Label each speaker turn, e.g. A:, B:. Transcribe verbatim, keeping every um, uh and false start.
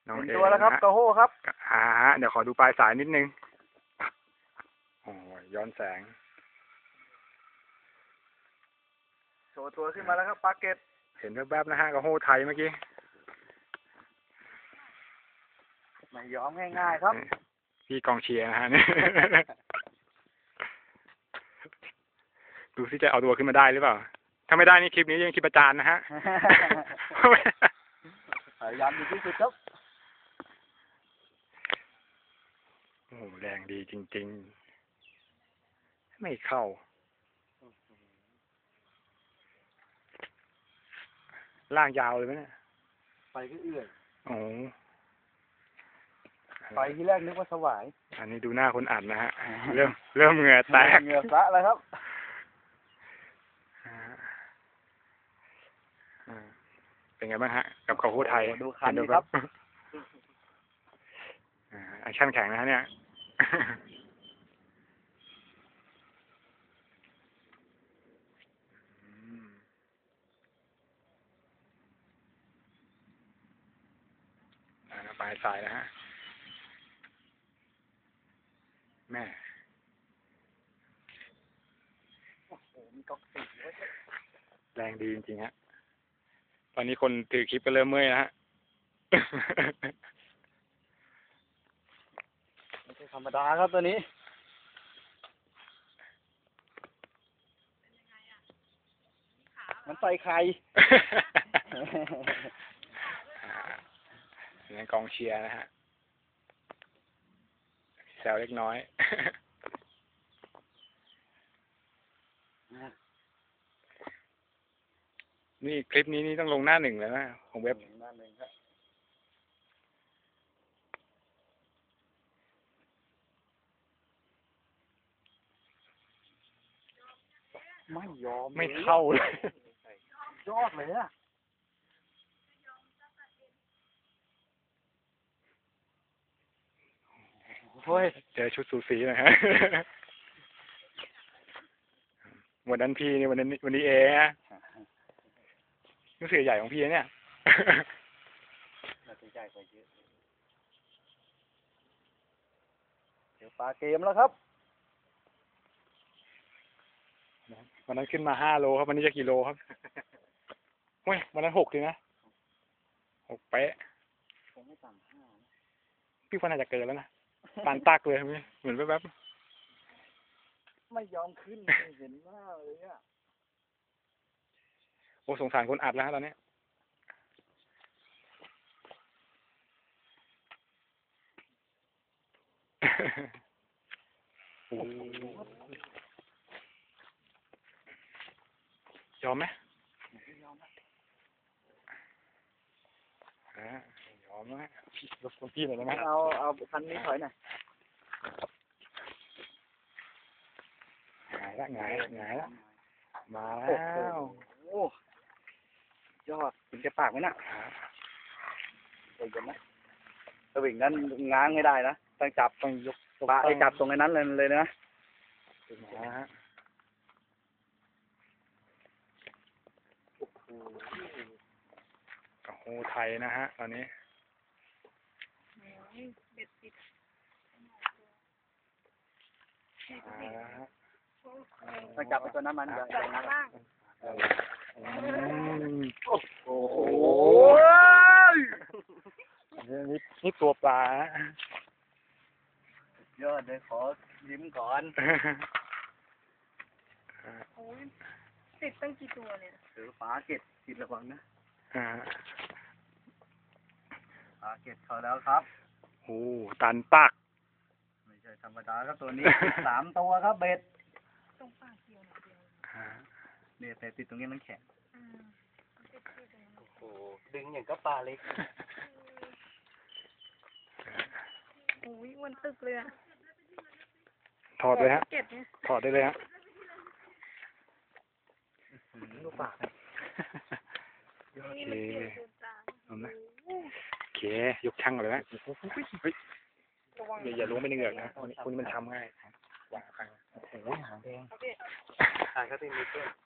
A: น้องเอ
B: ตัวแล้วครับกระโฮครับ
A: อ่าฮะเดี๋ยวขอดูปลายสายนิดนึงโอ้ยย้อนแสง
B: โชว์ตัวขึ้นมาแล้วครับปลาเก็ต
A: เห็นแวบๆนะฮะกระโฮไทยเมื่อกี้
B: ไม่ยอมง่ายๆครับ
A: พี่กองเชียร์นะฮะเนี่ยดูซิจะเอาตัวขึ้นมาได้หรือเปล่าถ้าไม่ได้นี่คลิปนี้ยังคลิปประจานนะฮะ
B: พยายามดีที่สุดครับ
A: โอ้โหแรงดีจริงๆไม่เข้าล่างยาวเลยไหมเนี่ย
B: ไปก็เอื่อย
A: โอ้
B: ไปที่แรกนึกว่าสวาย
A: อันนี้ดูหน้าคนอัดนะฮะเริ่มเริ่มเหงื่อแตก
B: เหงื่อซะแล้วครับ
A: เป็นไงบ้างฮะกับกระโฮไทย
B: ดูคันดีครับ
A: แอคชั่นแข็งนะฮะเนี่ยปลายสายนะฮะแม่
B: โอ้โหมีก๊อกสี
A: แรงดีจริงๆฮะตอนนี้คนถือคลิปก็เริ่มเมื่อยนะฮะ
B: ไม่ใช่ธรรมดาครับตัวนี้มันใส่ไข่
A: นี่กองเชียร์นะฮะแซวเล็กน้อยนี่คลิปนี้นี่ต้องลงหน้าหนึ่งแล้วนะของเว็บ
B: หน้าหนึ่งครับไม่ยอม
A: ไม่เข้าเลย
B: ยอดเลยอะ
A: โอ้ยเจอชุดสูสีนะฮะวันนั้นพี่นี่วันนั้นวันนี้เอนะนี่เสือใหญ่ของพี่เนี่ย
B: น่าจะใหญ่กว่าเยอะเดี๋ยวปลาเกมแล้วครับ
A: วันนั้นขึ้นมาห้าโลครับวันนี้จะกี่โลครับเฮ้ยวันนั้นหกเลยนะหกเป๊ะ
B: คงไม่ต่ำห้า
A: พี่คนอาจจะเกินแล้วนะปานตักเลยเหมือนแป๊บ
B: ๆไม่ยอมขึ้นเห็นหน้าเลยอ่ะ
A: โอ้สงสารคนอัดแล้วตอนนี้ยอมไหม
B: ยอม
A: ฮะยอมไหมรบกวนพี่หน่อยได้ไหม
B: เอาเอาคันนี้ถอยหน่อย
A: หงายละหงายหงายละมาแล้ว
B: โอ้ยอดถึงจะปากไหมน่ะเดี๋ยวนะสวิงนั้นง้างไม่ได้นะต้องจับต้องยกปลาไอ้จับตรงนั้นเลยเลยนะ
A: มาฮะโอ้โหไทยนะฮะตอนนี้
B: ต้องจับไปตัวน้ำมันอย่าอย่าง้างโอ้โห
A: นี่นี่ตัวปลา
B: ยอดเลยขอยิ้มก่อน
C: โอ้ยติดตั้งกี่ตัวเนี่ย
B: เออปลาเก็ดติดระวังนะปลาเก็ดเขาแล้วครับ
A: โอ้ตันปัก
B: ไม่ใช่ธรรมดาครับตัวนี้สามตัวครับเบ็ด
C: ตรงปากเดียวเดียว
B: เนี่ยแต่ติดตรงนี้มันแข็ง
C: โอ้โห
B: ดึงอย่างก็ปลาเล็ก
C: โอ้ยวันตึกเลยอะ
A: ถอดเลยฮะถอดได้เลยฮะ
B: ลูกปาก
A: โอเคเอาไหมโอเคยกช่างเลยนะอย่าอย่าล้วงไปในเหงือกนะคุณมันทำง่าย
B: โอ้โหหางแดงหางก็ติดนิดเดียว